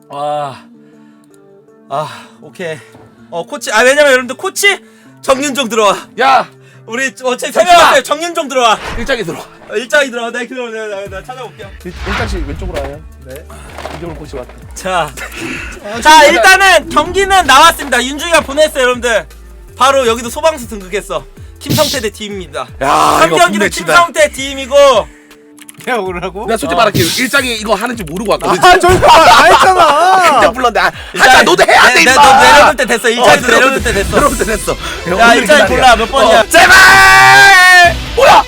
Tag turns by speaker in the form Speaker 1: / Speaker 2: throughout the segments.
Speaker 1: 오케이. 코치. 왜냐면 여러분들 코치 정윤종 들어와.
Speaker 2: 야
Speaker 1: 우리 어차피 세명한테 정윤종 들어와.
Speaker 2: 일장이 들어와.
Speaker 1: 일장이 들어와. 내가 찾아볼게요.
Speaker 2: 일장씨 왼쪽으로 와요.
Speaker 1: 네.
Speaker 2: 이쪽으로 코치 왔다.
Speaker 1: 자 일단은 경기는 나왔습니다. 윤중이가 보냈어요, 여러분들. 바로 여기도 소방수 등극했어. 김성태 대 팀입니다.
Speaker 2: 야 이거
Speaker 1: 3경기는 김성태 팀이고.
Speaker 3: 내가 오르라고?
Speaker 2: 내가 솔직히 말할게 일장이 이거 하는지 모르고 왔거든.
Speaker 3: 저기 안 했잖아.
Speaker 2: 일장 불렀는데 하자 너도 해야 돼.
Speaker 1: 너 내려올 때 됐어. 일장이도 내려올 때 됐어.
Speaker 2: 내려올 때 됐어.
Speaker 1: 야 일장이 골라 몇 번이야?
Speaker 2: 제발 뭐야?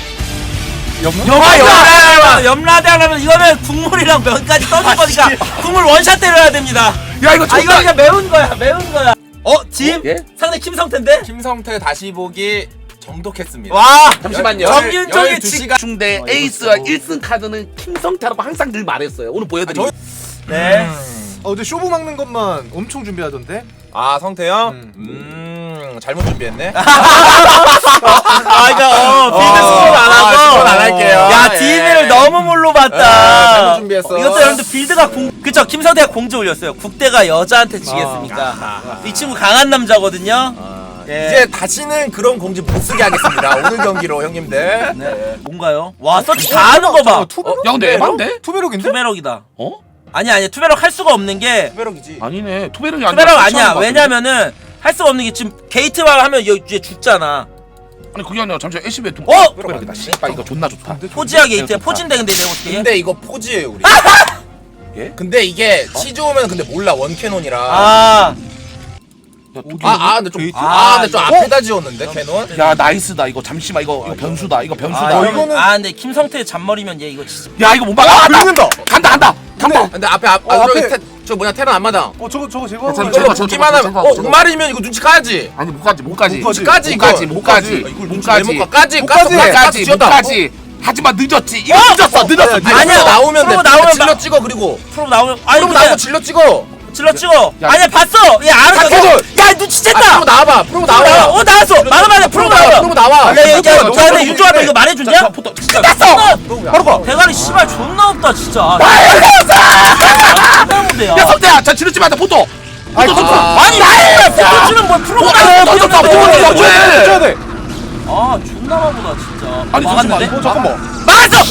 Speaker 1: 염라대 하려면 이거는 국물이랑 면까지 떠줄 거니까 국물 원샷 때려야 됩니다.
Speaker 2: 야 이거
Speaker 1: 이거 그냥 매운 거야. 짐?
Speaker 2: 예?
Speaker 1: 상대 김성태인데?
Speaker 4: 김성태 다시 보기 정독했습니다.
Speaker 1: 와!
Speaker 2: 잠시만요.
Speaker 1: 정윤정의
Speaker 4: 12시간
Speaker 2: 중대 에이스와 1승 카드는 김성태라고 항상 늘 말했어요. 오늘 보여드릴게요.
Speaker 1: 네.
Speaker 3: 근데 쇼부 막는 것만 엄청 준비하던데?
Speaker 4: 아 성태 형? 잘못 준비했네.
Speaker 1: 이거 빌드 스포를 안 하고
Speaker 4: 스포는 안 할게요.
Speaker 1: 야
Speaker 4: 예.
Speaker 1: DM을 너무 뭘로 봤다.
Speaker 4: 잘못 준비했어.
Speaker 1: 이것도 여러분들 빌드가 그쵸, 김성태가 공지 올렸어요. 국대가 여자한테 지겠습니까? 이 친구 강한 남자거든요. 예.
Speaker 4: 이제 다시는 그런 공지 못 쓰게 하겠습니다. 오늘 경기로 형님들.
Speaker 1: 네. 뭔가요? 와 서치 다 하는 거 봐.
Speaker 2: 야 근데 에반데?
Speaker 3: 투베록인데?
Speaker 1: 투베럭이다.
Speaker 2: 어?
Speaker 1: 아니야 투베럭 할 수가 없는 게
Speaker 4: 투베럭이지.
Speaker 2: 아니네. 투베럭이 아니라
Speaker 1: 투베럭 아니야.
Speaker 2: 설치하는 거 같은데?
Speaker 1: 왜냐면은 할 수가 없는 게 지금 게이트만 하면 이제 죽잖아.
Speaker 2: 아니 그게 아니라 잠시만 애쉬베 두 투베럭이다. 씨발 이거 존나 좋다.
Speaker 1: 포지야 게이트야. 포진데 근데 내가 어떻게 해?
Speaker 4: 근데 이거 포즈예요 우리.
Speaker 2: 예?
Speaker 4: 근데 이게 치 좋으면 근데 몰라
Speaker 1: 아
Speaker 4: 원캐논이라. 근데 좀 근데 좀 앞에다 지웠는데 캐논.
Speaker 2: 야 나이스다 이거. 잠시만 이거 변수다. 이거 변수다.
Speaker 1: 이거는
Speaker 3: 이거는-
Speaker 1: 근데 김성태 잔머리면 얘 이거 진짜
Speaker 2: 야 이거 못 막아.
Speaker 3: 긁는다.
Speaker 2: 간다.
Speaker 4: 근데 앞에
Speaker 3: 앞에-
Speaker 4: 저 뭐냐 테란 앞마당.
Speaker 3: 저거 제거.
Speaker 2: 야,
Speaker 4: 이걸로 보기만 하면 목마르면 이거 눈치 까야지.
Speaker 2: 아니 못까지
Speaker 4: 까지, 이걸
Speaker 2: 못까지 하지만 늦었지. 이거 늦었어.
Speaker 1: 아니야,
Speaker 4: 나오면
Speaker 1: 프로
Speaker 4: 돼.
Speaker 1: 나오면
Speaker 4: 질러 찍어 그리고.
Speaker 1: 프로 나오면
Speaker 4: 프로 나오고 질러 찍어.
Speaker 1: 질러 찍어.
Speaker 2: 야,
Speaker 1: 아니야 봤어. 얘 알았어.
Speaker 4: 박해솔!
Speaker 1: 야
Speaker 4: 프로
Speaker 1: 눈치챘다.
Speaker 4: 나와봐. 프로 나와.
Speaker 1: 나왔어. 맞아. 프로 나와.
Speaker 4: 프로 나와.
Speaker 1: 야
Speaker 2: 너무
Speaker 1: 근데 유주한테 이거 말해줬냐?
Speaker 2: 끝났어.
Speaker 3: 바로 가.
Speaker 1: 대가리 씨발 존나 없다 진짜.
Speaker 2: 야 성태야 자 지르지 마다 포토.
Speaker 1: 아니 나해. 포토치는 뭘 프로가
Speaker 2: 포토
Speaker 3: 쳐야 돼.
Speaker 1: 아 존나 바보다 진짜.
Speaker 2: 아니
Speaker 1: 막았는데?
Speaker 3: 잠깐만.
Speaker 1: 막았어.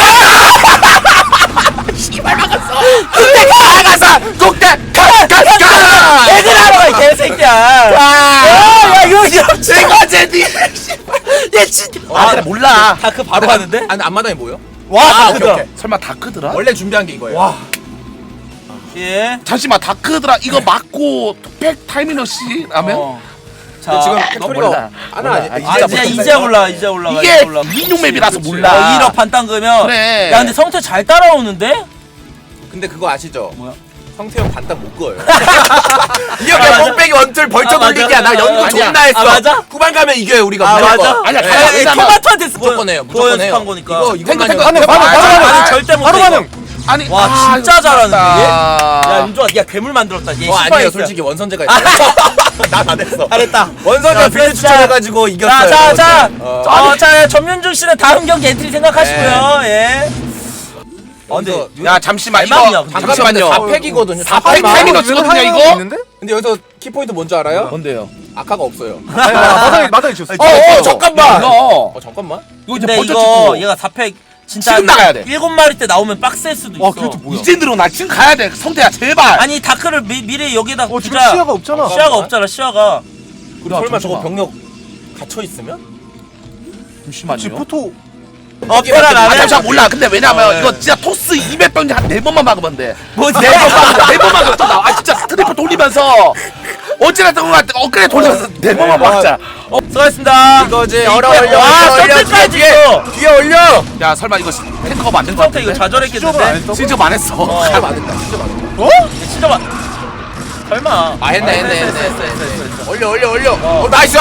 Speaker 2: 씨발 막았어. 국대 가.
Speaker 1: 애들 하러 가 개새끼야. 야 이거
Speaker 2: 이거지 니. 얘 진짜. 그래 몰라.
Speaker 1: 다크 바로 하는데?
Speaker 4: 아니 앞마당이 뭐요?
Speaker 1: 와
Speaker 4: 오케이, 오케이.
Speaker 2: 설마 다크드라?
Speaker 4: 원래 준비한 게 이거예요.
Speaker 3: 와.
Speaker 1: 예.
Speaker 2: 잠시만 다크드라 이거 맞고 투팩 타이밍러시라면
Speaker 1: 자
Speaker 4: 지금
Speaker 2: 너
Speaker 4: 팩토리가
Speaker 2: 몰라.
Speaker 4: 하나 아니
Speaker 1: 이제 올라.
Speaker 2: 이게
Speaker 1: 올라.
Speaker 2: 민용 맵이라서 몰라.
Speaker 1: 1억 반땅 그면.
Speaker 2: 그래.
Speaker 1: 야 근데 성태 잘 따라오는데?
Speaker 4: 근데 그거 아시죠?
Speaker 1: 뭐야?
Speaker 4: 성태형 반딱 못 그어요. 이렇게 뽕빼기 원툴 벌쩍
Speaker 1: 맞아.
Speaker 4: 올리기야. 나 연구
Speaker 2: 아니야.
Speaker 4: 존나 했어.
Speaker 1: 맞아?
Speaker 4: 후반 가면 이겨요 우리가.
Speaker 1: 아
Speaker 4: 무조건.
Speaker 1: 맞아?
Speaker 2: 아니야,
Speaker 4: 네.
Speaker 2: 왜냐면-
Speaker 1: 토마토한테 쓰
Speaker 4: 무조건 해요.
Speaker 1: 그거
Speaker 4: 무조건 해요.
Speaker 1: 연습한 거니까.
Speaker 4: 이것만
Speaker 2: 탱크,
Speaker 4: 해요.
Speaker 1: 아니 절대 못해.
Speaker 3: 바로
Speaker 1: 이거.
Speaker 3: 반응.
Speaker 2: 아니
Speaker 1: 와 진짜 잘하는데 얘? 야
Speaker 2: 야
Speaker 1: 윤종아 니가 괴물 만들었다. 얘
Speaker 4: 아니에요
Speaker 1: 시바했어.
Speaker 4: 솔직히 원선제가 있어. 나안 했어.
Speaker 1: 잘했다.
Speaker 4: 원선제가
Speaker 1: 야,
Speaker 4: 빌드
Speaker 1: 진짜.
Speaker 4: 추천해가지고 이겼어요.
Speaker 1: 자 전윤중 씨는 다음 경기 엔트리 생각하시고요. 예. 근데
Speaker 2: 야 잠시만
Speaker 1: 대박이야,
Speaker 2: 이거
Speaker 1: 근데.
Speaker 2: 잠시만요.
Speaker 4: 4팩이거든요.
Speaker 2: 4팩 타이밍 치거든요 이거.
Speaker 3: 있는데?
Speaker 4: 근데 여기서 키포인트 뭔지 알아요?
Speaker 2: 뭔데요?
Speaker 4: 아카가 없어요.
Speaker 3: 마당에 쳤어.
Speaker 4: 잠깐만.
Speaker 2: 이거
Speaker 4: 잠깐만.
Speaker 2: 이거 이제
Speaker 1: 근데
Speaker 2: 번쩍
Speaker 1: 이거
Speaker 2: 찍고
Speaker 1: 얘가 4팩 진짜
Speaker 2: 지금 나가야 돼.
Speaker 1: 7마리 때 나오면 빡셀 수도 있어.
Speaker 3: 그래도 뭐야?
Speaker 2: 이제 늘어나 지금 가야 돼 성태야 제발.
Speaker 1: 아니 다크를 미리 여기다
Speaker 3: 지금
Speaker 1: 두자.
Speaker 3: 시야가 없잖아.
Speaker 1: 시야가 없잖아. 시야가.
Speaker 4: 설마
Speaker 2: 잠시만.
Speaker 4: 저거 병력 갇혀 있으면?
Speaker 3: 지금
Speaker 2: 잠시만요.
Speaker 3: 포토.
Speaker 1: 페란 안 해.
Speaker 2: 잠시만 몰라. 근데 왜냐면 이거 진짜 토스 200병 한 4번만 막으면 돼.
Speaker 1: 뭐
Speaker 2: 4번 막으면 또 나와. 아 진짜 스트리퍼 돌리면서 어찌나 엊그래 돌리면서 4번만 막자.
Speaker 1: 수고하셨습니다.
Speaker 4: 이거지.
Speaker 1: 와
Speaker 4: 올려.
Speaker 1: 서클까지 있어.
Speaker 4: 뒤에 올려.
Speaker 2: 야 설마 이거 탱커 만든 거
Speaker 1: 성태 이거
Speaker 2: 같은데?
Speaker 1: 좌절했겠는데?
Speaker 2: 진짜 안 했어.
Speaker 4: 진짜 맞았다. 진짜 맞았다.
Speaker 1: 진짜 막 설마.
Speaker 4: 아 했네.
Speaker 1: 했어.
Speaker 4: 올려. 나이스.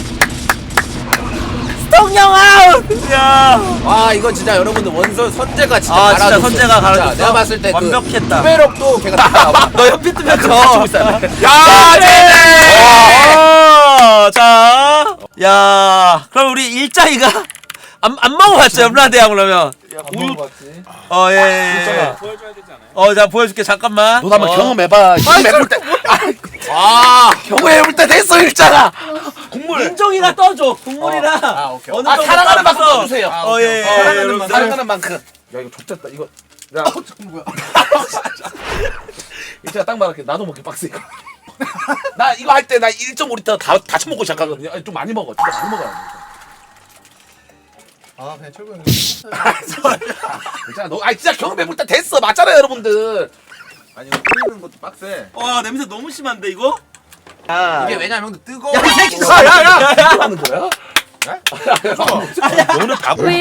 Speaker 1: 성령 아웃. 야.
Speaker 4: 아 이거 진짜 여러분들 원선 선재가 진짜
Speaker 1: 아, 진짜
Speaker 4: 갈아줬어.
Speaker 1: 선재가 갈아줬어?
Speaker 4: 내가 봤을 때
Speaker 1: 완벽했다.
Speaker 4: 그 투베럭도 걔가 다 나와.
Speaker 1: 너 현피 뜨면 져.
Speaker 4: 야 제네.
Speaker 1: 자. 야. 그럼 우리 일자이가 안 먹어봤죠? 염라대왕 그러면.
Speaker 3: 안 먹어봤지.
Speaker 1: 예.
Speaker 3: 보여줘야 되지 않아요?
Speaker 1: 자 보여줄게 잠깐만.
Speaker 2: 너도 한번 경험해봐. 경험해볼 때. 경험해볼 때 됐어 일자가. 국물.
Speaker 1: 윤종이가 떠줘 국물이랑.
Speaker 4: 오케이.
Speaker 1: 어느
Speaker 2: 사랑하는
Speaker 1: 정도
Speaker 2: 만큼
Speaker 1: 떠서.
Speaker 2: 떠주세요.
Speaker 1: 예.
Speaker 2: 사랑하는 만큼. 야 이거 좆됐다 이거. 야. 뭐야? 일자가 딱 말할게. 나도 먹기 빡세 이거. 나 이거 할 때 나 1.5리터 다 처먹고 시작하거든요. 아니, 좀 많이 먹어. 진짜 많이 먹어야 돼.
Speaker 4: 그냥 철구 형.
Speaker 2: 진짜 너, 진짜 경험해볼 때 됐어. 맞잖아요, 여러분들.
Speaker 4: 아니 이거 끓이는 것도 빡세.
Speaker 1: 와 냄새 너무 심한데 이거?
Speaker 4: 이게 왜냐면 형들 뜨거워.
Speaker 1: 야, 이 새끼
Speaker 2: 뭐 하는 거야? 너는 다 먹어.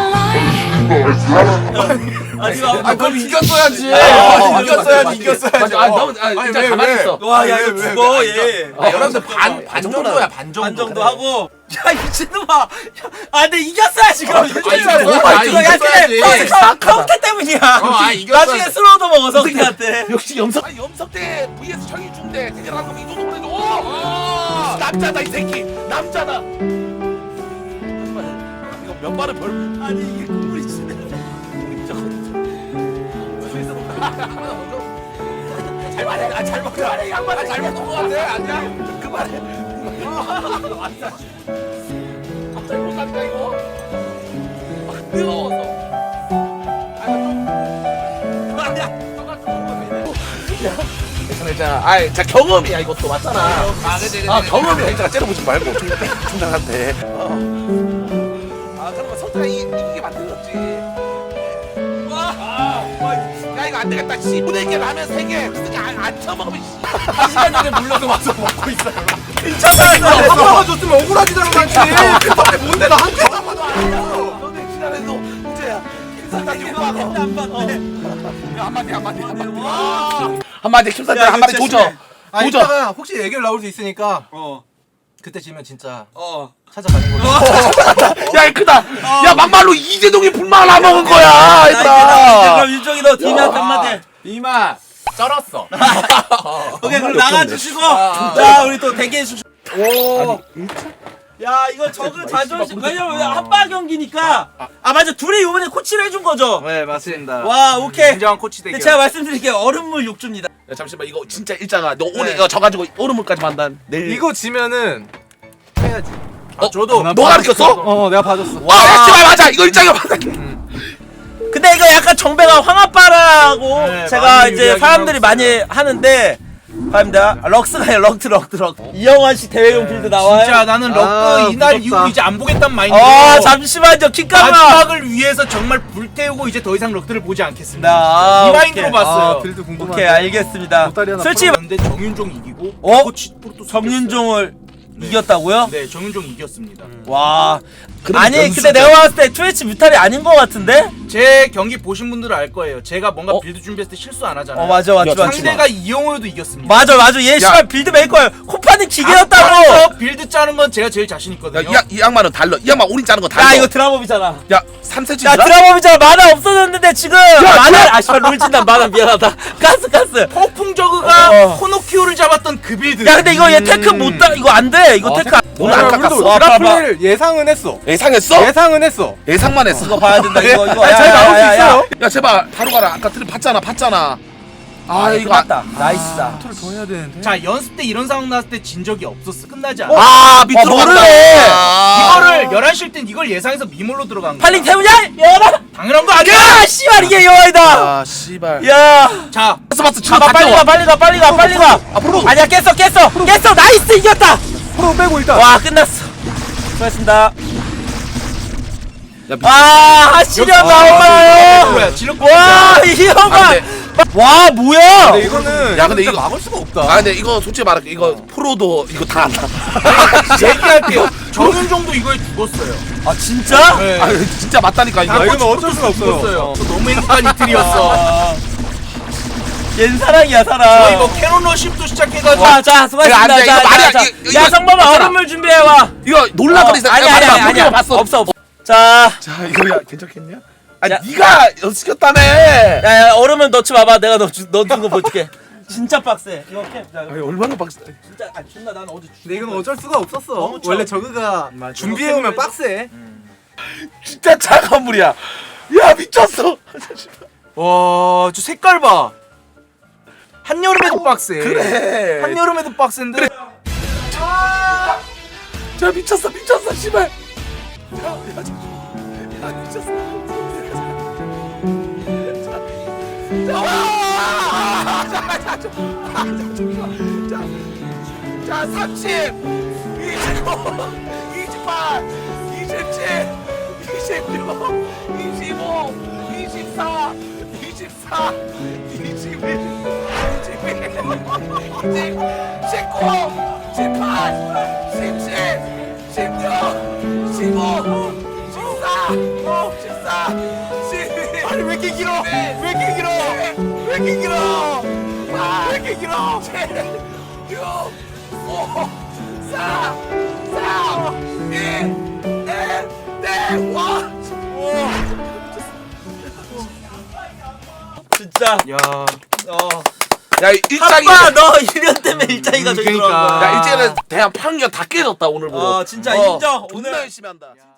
Speaker 4: 그럼 이겼어야지. 이겼어야지.
Speaker 2: 맞아. 너무 진짜 가만히 있어.
Speaker 1: 와야 이거 죽어 얘.
Speaker 4: 여러분들 반 정도야 반 정도.
Speaker 1: 반 정도 하고. 야 미친놈아. 근데 이겼어야지 그럼.
Speaker 4: 이겼어야지.
Speaker 1: 카운트 때문이야.
Speaker 4: 이겼어야지.
Speaker 1: 나중에 슬로우도 먹어 성태한테.
Speaker 2: 역시 염석대 vs 정의중대 대결하는 거면 이 정도 보내줘. 오! 남자다 이 새끼. 남자다. 이거 몇 발을 벌.
Speaker 1: 아니 이게 국물이 진짜.
Speaker 2: 잘 말해. 잘 먹자. 양말 잘 먹는 거 같아. 아니야. 그만해. 잘 먹는다 이거. 뜨거워서. 괜찮아. 자 경험이야 이것도 맞잖아.
Speaker 4: 그치.
Speaker 2: 경험이야. 진짜 째려보지 말고 총장한테. 그러면 성태가 이기게 만들었지. 야 이거 안 되겠다. 씨. 분해게 라면 3개. 그렇게 안 처먹으면 씨.
Speaker 4: 1시간 전에 물려서 와서 먹고 있어요.
Speaker 3: 한번만 줬으면 억울하지도 않지. 뭔데 나 한 개.
Speaker 2: 너네 지난해도 문제야. 김사장 한마디 김사장 한마디 도전. 도전.
Speaker 4: 이따가 혹시 애결 나올 수 있으니까 그때 지면 진짜 찾아가는 거죠.
Speaker 2: 야 크다. 야 막말로 이재동이 불만을 안 먹은 거야 얘들아.
Speaker 1: 그럼 윤종이 너 디나한테 한마디.
Speaker 4: 이마 쩔었어.
Speaker 1: 오케이 그럼 나가주시고 자 우리 또 대기해 주시고. 오. 야 이거 저그 자존심 왜냐면 한바 경기니까 맞아 둘이 이번에 코치를 해준 거죠.
Speaker 3: 네 맞습니다.
Speaker 1: 와 오케이.
Speaker 3: 인정한 코치
Speaker 1: 근데
Speaker 3: 대결.
Speaker 1: 제가 말씀드릴게요 얼음물 욕줍니다.
Speaker 2: 야 잠시만 이거 진짜 일자가 너 오늘 이거 져가지고 오른물까지 만단 내일.
Speaker 4: 이거 지면은 해야지.
Speaker 2: 저도 너가 가르쳤어?
Speaker 3: 내가 봐줬어.
Speaker 2: 제발 맞아 이거 일자가 맞아.
Speaker 1: 근데 이거 약간 정배가 황아빠라고
Speaker 3: 네,
Speaker 1: 제가
Speaker 3: 많이
Speaker 1: 이제
Speaker 3: 유리하긴
Speaker 1: 사람들이 많이 하는데 갑니다. 럭스가요 럭트. 이영환 씨 대회용 빌드 나와요.
Speaker 5: 진짜 나는 럭크 이날
Speaker 3: 무섭다.
Speaker 5: 이후 이제 안 보겠단 마인드로
Speaker 1: 잠시만요 킥가마.
Speaker 5: 마지막을 위해서 정말 불태우고 이제 더 이상 럭크를 보지 않겠습니다.
Speaker 1: 아,
Speaker 5: 이 마인드로
Speaker 1: 오케이.
Speaker 5: 봤어요.
Speaker 3: 빌드 궁금한데.
Speaker 1: 오케이 알겠습니다.
Speaker 3: 보따리 하나
Speaker 1: 솔직히
Speaker 5: 근데 정윤종 이기고 코치 프로토스
Speaker 1: 정윤종을 이겼다고요?
Speaker 5: 네 정윤종 이겼습니다.
Speaker 1: 와.
Speaker 2: 그럼
Speaker 1: 아니
Speaker 2: 연습
Speaker 1: 근데 내가 봤을 때 트위치 뮤탈이 아닌 것 같은데?
Speaker 5: 제 경기 보신 분들은 알 거예요. 제가 뭔가 빌드 준비했을 때 실수 안 하잖아요.
Speaker 1: 맞아.
Speaker 5: 상대가 이영호여도 이겼습니다.
Speaker 1: 맞아 얘 씨발 빌드 메이커야. 코파는 기계였다고.
Speaker 5: 앞에서 빌드 짜는 건 제가 제일 자신 있거든요.
Speaker 2: 이 양말은 달러. 이 양말 우린 짜는 거 달러.
Speaker 1: 야 이거 드라법이잖아.
Speaker 2: 야 3cm.
Speaker 1: 야 드라법이잖아. 만화 없어졌는데 지금. 만화 씨발 롤진다 만화 미안하다. 가스.
Speaker 5: 폭풍 저그가
Speaker 1: 어.
Speaker 5: 코노키오를 잡았던 그 빌드.
Speaker 1: 야 근데 이거 얘 테크 못 다. 이거 안 돼. 이거 테크.
Speaker 2: 오늘 안 깎았어.
Speaker 1: 와, 봐봐.
Speaker 3: 드라플레이를 예상은 했어.
Speaker 2: 예상했어?
Speaker 3: 예상은 했어.
Speaker 2: 예상만 했어.
Speaker 1: 이거 봐야 된다. 이거.
Speaker 3: 잘 나올 수 있어요.
Speaker 2: 야 제발 바로 가라. 아까 틀 봤잖아. 이거
Speaker 1: 맞다. 나이스다.
Speaker 3: 더 해야 되는데.
Speaker 5: 자 연습 때 이런 상황 나왔을 때 진 적이 없었어. 끝나지 않아.
Speaker 2: 밑으로
Speaker 1: 모르네.
Speaker 5: 이거를 11시일 땐 이걸 예상해서 미몰로 들어간 거야.
Speaker 1: 팔링 태우냐? 열어.
Speaker 5: 당연한 거 아니야?
Speaker 1: 야 씨발 이게 여왕이다.
Speaker 2: 씨발.
Speaker 1: 야.
Speaker 5: 자
Speaker 2: 봤어.
Speaker 1: 가봐 빨리 가.
Speaker 2: 앞으로.
Speaker 1: 아니야 깼어. 나이스 이겼다.
Speaker 3: 프로 빼고 일단.
Speaker 1: 와 끝났어. 수고하셨습니다.
Speaker 2: 야,
Speaker 1: 하시련 나오나요?
Speaker 5: 뭐야 질럿
Speaker 1: 와 이영환. 와 뭐야?
Speaker 3: 근데 이거는
Speaker 2: 야, 근데
Speaker 3: 진짜
Speaker 2: 이거-
Speaker 3: 막을 수가 없다.
Speaker 2: 근데 이거 솔직히 말할게. 이거 프로도 이거 다 안다.
Speaker 5: 얘기할게요. 정윤종도 이거에 죽었어요.
Speaker 1: 아 진짜?
Speaker 5: 네.
Speaker 2: 진짜 맞다니까 이거.
Speaker 3: 이건 어쩔 수가 없어요.
Speaker 5: 죽었어요. 너무 행복한 이틀이었어.
Speaker 1: 얜 사랑이야
Speaker 5: 저
Speaker 1: 사랑.
Speaker 5: 이거 캐논 러십도 시작해가지고
Speaker 1: 자 수고하셨습니다.
Speaker 2: 안 돼, 이거 말이야. 이거
Speaker 1: 야 성범아
Speaker 2: 맞잖아.
Speaker 1: 얼음물 준비해와.
Speaker 2: 이거 놀라거리서
Speaker 1: 아니야.
Speaker 2: 봤어.
Speaker 1: 없어. 자
Speaker 2: 이거 야 괜찮겠냐?
Speaker 1: 야.
Speaker 2: 네가 연습시켰다며.
Speaker 1: 야 얼음을 넣지 마봐. 내가 넣어준 거 보여줄게. 진짜 빡세. 이거 캠. 자,
Speaker 2: 얼마나 빡세.
Speaker 1: 진짜 존나 난 어제
Speaker 3: 근데 이건 어쩔 수가 없었어.
Speaker 1: 너무
Speaker 3: 원래
Speaker 1: 처음.
Speaker 3: 저그가 준비해오면 빡세.
Speaker 2: 진짜 차가운 물이야. 야 미쳤어.
Speaker 5: 와, 저 색깔 봐. 한여름에도 빡세.
Speaker 2: 그래.
Speaker 5: 한여름에도 빡센데.
Speaker 2: 자 미쳤어 씨발. 야 미쳤어. 자 30, 29, 28, 27, 26, 25, 24, 24, 21, 22, 19, 18, 17, 16, 15, 14, 12. 아니 왜 이렇게 길어? 왜 이렇게 길어? 왜 이렇게 길어? 왜 이렇게 길어? 7, 6, 5, 4, 3, 2, 1, 네, 와.
Speaker 1: 진짜.
Speaker 5: 야.
Speaker 2: 야 일장이.
Speaker 1: 아빠 너 이런 때문에 일장이가 저기
Speaker 5: 그러니까.
Speaker 1: 들어간 거야.
Speaker 2: 야 일장이는 대한 판결 다 깨졌다 오늘부로.
Speaker 1: 진짜 인정.
Speaker 2: 존나
Speaker 1: 오늘
Speaker 2: 열심히 한다.